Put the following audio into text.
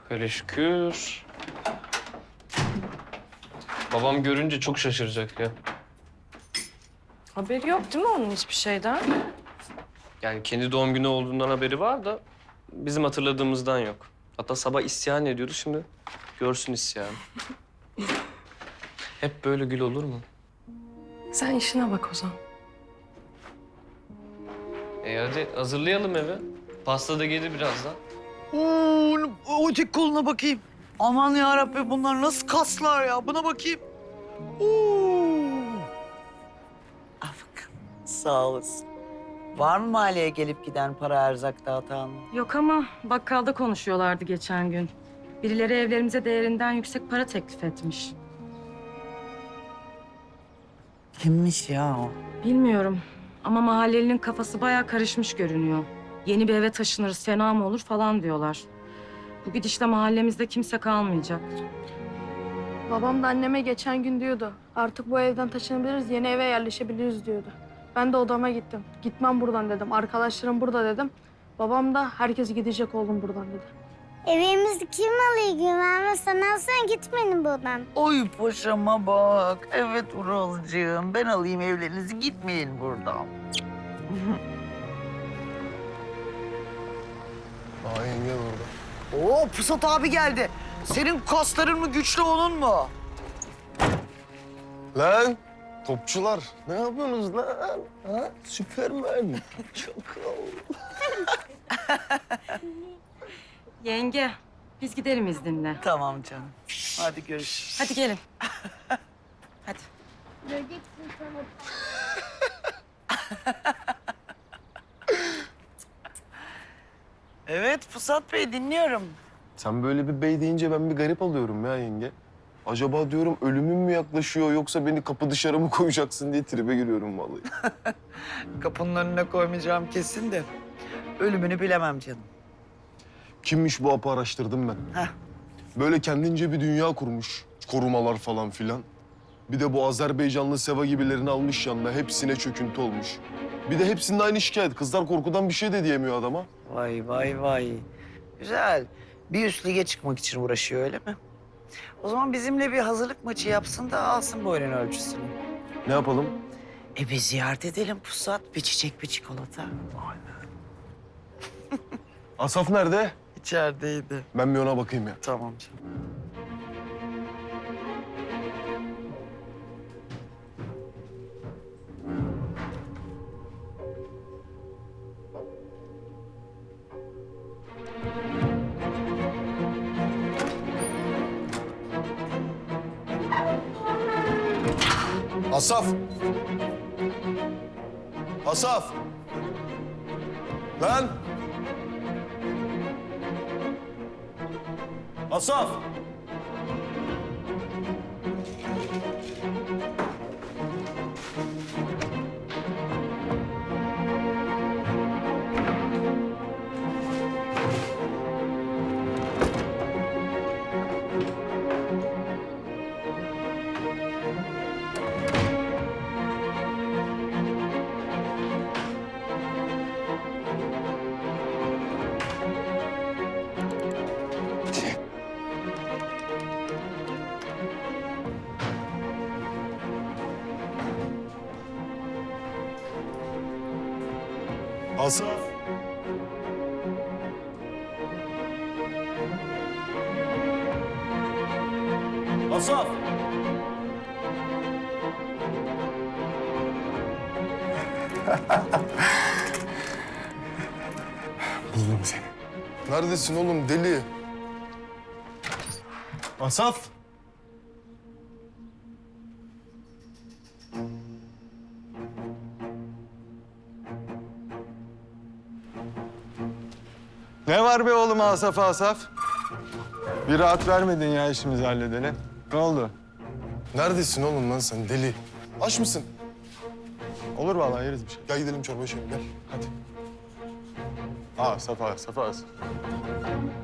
Hele şükür. Babam görünce çok şaşıracak ya. Haberi yok değil mi onun hiçbir şeyden? Yani kendi doğum günü olduğundan haberi var da bizim hatırladığımızdan yok. Hatta sabah isyan ediyordu, şimdi görsün isyanı. Hep böyle gül olur mu? Sen işine bak o zaman. Hadi hazırlayalım eve. Pasta da gelir birazdan. O tek koluna bakayım. Aman ya Rabbi, bunlar nasıl kaslar ya? Buna bakayım. Al bakalım. Sağ olasın. Var mı mahalleye gelip giden para erzak dağıtan? Yok ama bakkalda konuşuyorlardı geçen gün. Birileri evlerimize değerinden yüksek para teklif etmiş. Kimmiş ya o? Bilmiyorum ama mahallelinin kafası bayağı karışmış görünüyor. Yeni bir eve taşınırız, fena mı olur falan diyorlar. Bu gidişle mahallemizde kimse kalmayacak. Babam da anneme geçen gün diyordu. Artık bu evden taşınabiliriz, yeni eve yerleşebiliriz diyordu. Ben de odama gittim. Gitmem buradan dedim. Arkadaşlarım burada dedim. Babam da herkes gidecek oğlum buradan dedi. Evimizi kim alıyor Güven? Sen alsan gitmeyin buradan. Oy paşama bak. Evet Uralcığım. Ben alayım evlerinizi, gitmeyin buradan. Aa yenge orada. Oo, Pusat abi geldi. Senin kasların mı güçlü, onun mu? Lan topçular ne yapıyorsunuz lan? Ha? Süpermen. Çakal. Yenge, biz gidelim izninle. Tamam canım. Hadi görüşürüz. Hadi gelin. Hadi. Göreceksin sonra. Evet Pusat Bey, dinliyorum. Sen böyle bir bey deyince ben bir garip alıyorum ya yenge. Acaba diyorum ölümüm mü yaklaşıyor yoksa beni kapı dışarı mı koyacaksın diye tribe giriyorum vallahi. Kapının önüne koymayacağım kesin de ölümünü bilemem canım. Kimmiş bu apı araştırdım ben. Heh. Böyle kendince bir dünya kurmuş. Korumalar falan filan. Bir de bu Azerbaycanlı Seva gibilerini almış yanına. Hepsine çöküntü olmuş. Bir de hepsinin aynı şikayet. Kızlar korkudan bir şey de diyemiyor adama. Vay vay vay. Güzel. Bir üst lige çıkmak için uğraşıyor, öyle mi? O zaman bizimle bir hazırlık maçı yapsın da alsın boyunun ölçüsünü. Ne yapalım? Bir ziyaret edelim Pusat. Bir çiçek, bir çikolata. Asaf nerede? İçerideydi. Ben bir ona bakayım ya. Tamam canım. Asaf! Asaf! Lan! Asaf! Asaf! Asaf! Buldum seni. Neredesin oğlum deli? Asaf! Ne var be oğlum Asaf Asaf? Bir rahat vermedin ya işimizi halledene. Ne oldu? Neredesin oğlum lan sen deli? Aç mısın? Olur vallahi yeriz bir şey. Gel gidelim çorba içelim gel. Hadi. Asaf Asaf Asaf.